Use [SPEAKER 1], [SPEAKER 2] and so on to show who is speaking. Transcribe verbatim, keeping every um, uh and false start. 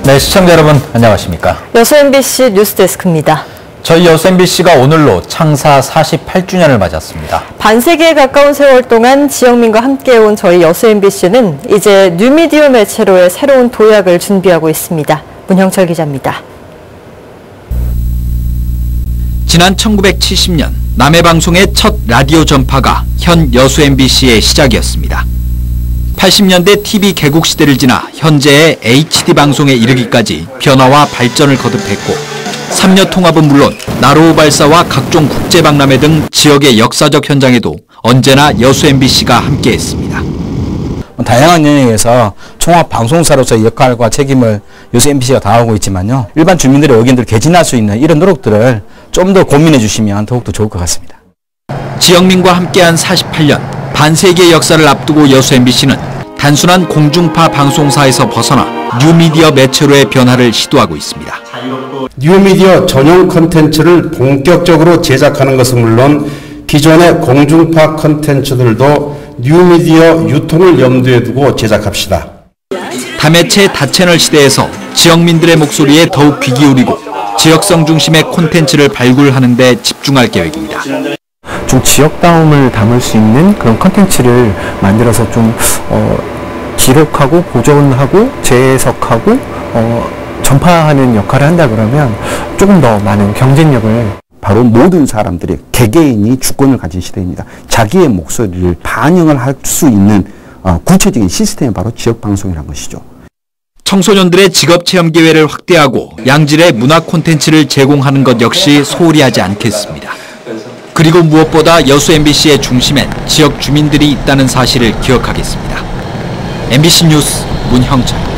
[SPEAKER 1] 네, 시청자 여러분 안녕하십니까?
[SPEAKER 2] 여수 엠비씨 뉴스데스크입니다.
[SPEAKER 1] 저희 여수 엠비씨가 오늘로 창사 사십팔 주년을 맞았습니다.
[SPEAKER 2] 반세기에 가까운 세월 동안 지역민과 함께해온 저희 여수 엠비씨는 이제 뉴미디어 매체로의 새로운 도약을 준비하고 있습니다. 문형철 기자입니다.
[SPEAKER 3] 지난 천구백칠십 년 남해방송의 첫 라디오 전파가 현 여수 엠비씨의 시작이었습니다. 팔십 년대 티비 개국 시대를 지나 현재의 에이치디 방송에 이르기까지 변화와 발전을 거듭했고 삼려 통합은 물론 나로우 발사와 각종 국제박람회 등 지역의 역사적 현장에도 언제나 여수 엠비씨가 함께했습니다.
[SPEAKER 4] 다양한 영역에서 종합 방송사로서의 역할과 책임을 여수 엠비씨가 다하고 있지만요. 일반 주민들의 의견들을 개진할 수 있는 이런 노력들을 좀 더 고민해 주시면 더욱더 좋을 것 같습니다.
[SPEAKER 3] 지역민과 함께한 사십팔 년, 반세기의 역사를 앞두고 여수 엠비씨는 단순한 공중파 방송사에서 벗어나 뉴미디어 매체로의 변화를 시도하고 있습니다.
[SPEAKER 5] 뉴미디어 전용 콘텐츠를 본격적으로 제작하는 것은 물론 기존의 공중파 콘텐츠들도 뉴미디어 유통을 염두에 두고 제작합시다.
[SPEAKER 3] 다매체 다채널 시대에서 지역민들의 목소리에 더욱 귀 기울이고 지역성 중심의 콘텐츠를 발굴하는 데 집중할 계획입니다.
[SPEAKER 6] 좀 지역다움을 담을 수 있는 그런 콘텐츠를 만들어서 좀 어, 기록하고 보존하고 재해석하고 어, 전파하는 역할을 한다 그러면 조금 더 많은 경쟁력을
[SPEAKER 7] 바로 모든 사람들이 개개인이 주권을 가진 시대입니다. 자기의 목소리를 반영을 할 수 있는 어, 구체적인 시스템이 바로 지역방송이라는 것이죠.
[SPEAKER 3] 청소년들의 직업체험 기회를 확대하고 양질의 문화 콘텐츠를 제공하는 것 역시 소홀히 하지 않겠습니다. 그리고 무엇보다 여수 엠비씨의 중심엔 지역 주민들이 있다는 사실을 기억하겠습니다. 엠비씨 뉴스 문형철.